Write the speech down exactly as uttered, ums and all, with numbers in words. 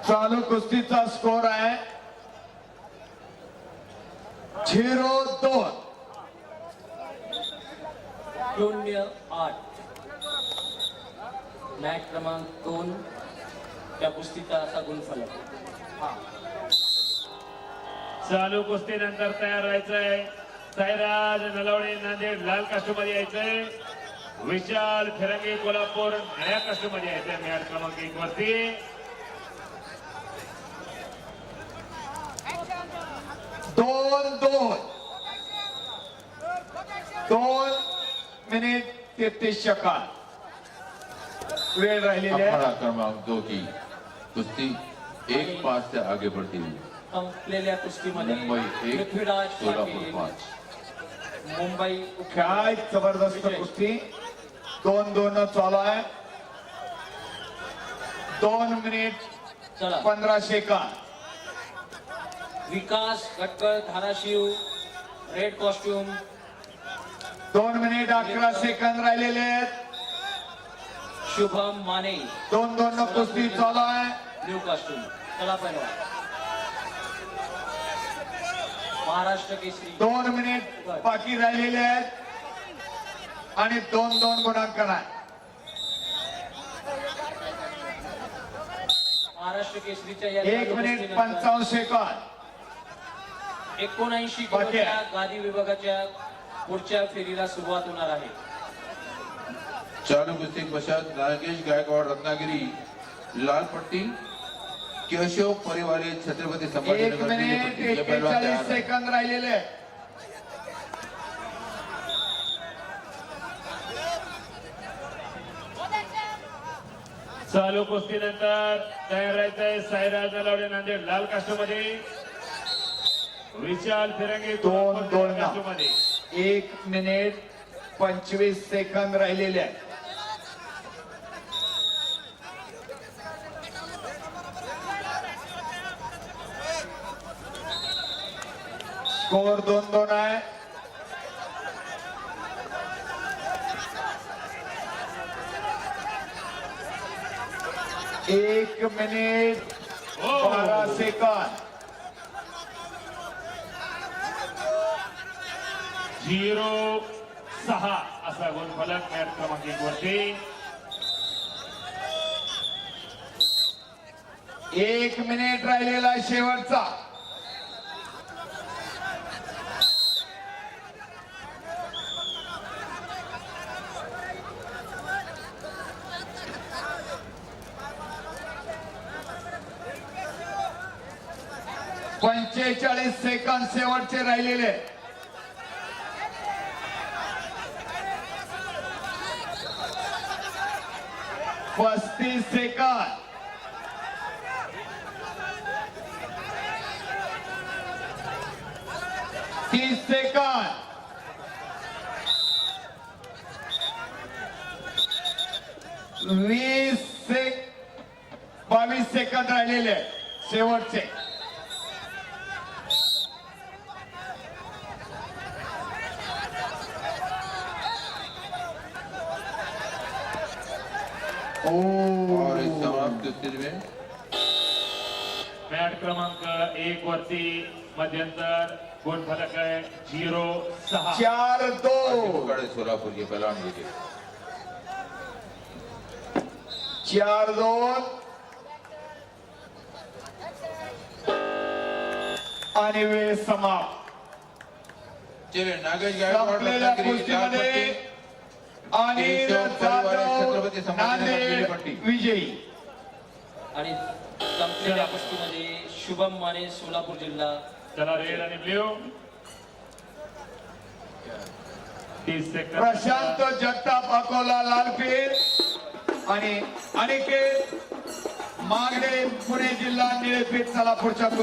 चालू कुस्तीचा स्कोर आहे झिरो दोन शून्य आठ. मॅच क्रमांक दोन त्या कुस्तीचा असा गुणफलक. चालू कुस्तीनंतर तयार व्हायचंय. साईराज नलवडे नांदेड लाल कास्टूम मध्ये यायचंय. विशाल फिरंगी कोल्हापूर निळ्या कास्टूम मध्ये यायचंय. मॅच क्रमांक एक वरती दोन दोन दोन मिनिट तेहतीस सेकंद वेळ राहिलेली आहे. अखाड़ा क्रमांक दो की कुश्ती एक पास से आगे बढ़ती हुई संपलेल्या कुस्तीमध्ये मुंबई एक पृथ्वीराज सोलापुर पाटील पाच. मुंबई काय जबरदस्त कुस्ती दोन दोन चालू आहे. दोन मिनिट चला पंधरा सेकंद विकास गटकळ धाराशिव रेड कॉस्ट्युम दोन मिनिट अकरा सेकंद राहिलेले आहेत. शुभम माने दोन दोन कुस्ती चालू आहे. Blue costume. चला पहिला महाराष्ट्र केसरी दोन मिनिट बाकी राहिलेले आहेत आणि दोन दोन गुणांकन आहे. महाराष्ट्र केसरीच्या या एक मिनिट पंचावन्न सेकंद एकोणऐंशी बाकी किलोच्या आहे. गादी विभागाच्या पुढच्या फेरीला सुरुवात होणार आहे. चालू कुश्ती के पश्चात नागेश गायकवाड़ रत्नागिरी लाल पट्टी केशव परिवारे छत्रपति एक संभाजीनगर नीली मिनिट पट्टी. ये पहलवान तैयार एक्केचाळीस है. सेकंद राहिलेले आहेत. चालू कुस्तीनंतर तयार व्हायचंय. साईराज नलवडे नांदेड लाल कास्टूम मध्ये. विशाल फिरंगी दोन कोल्हापूर दोन निळ्या कास्टूम मध्ये. एक मिनिट पंचवीस सेकंद राहिलेले आहेत. स्कोर दोन दोन आहे. एक मिनिट बारा सेकंद झिरो सहा असा गुणफलक मॅच क्रमांक एक वरती. एक मिनिट राहिलेला आहे शेवटचा. पंचेचाळीस सेकंद शेवटचे राहिलेले. पस्तीस सेकंद तीस सेकंद वीस सेक बावीस सेकंद राहिलेले शेवटचे. और इस समाप्त कुश्ती में मॅच क्रमांक एक वरती मध्यंतर गुणफलक आहे झिरो सहा. चार दो पकड़े सोलापुर के पहलवान विजय. चार दोन आणि वेळ समाप्त. चलिए नागेश गायकवाड़ संपलेल्या रत्नागिरी लाल कुस्तीमध्ये पट्टी अनिल जाधव नांदेड विजयी. आणि संपलेल्या कुस्तीमध्ये शुभम माने सोलापूर जिल्हा. चला रेड आणि ब्ल्यू. तीस सेकंद. प्रशांत जगताप अकोला लालपीर आणि अनिकेत मागडे पुणे जिल्हा निळेपीठ. चला पुढच्या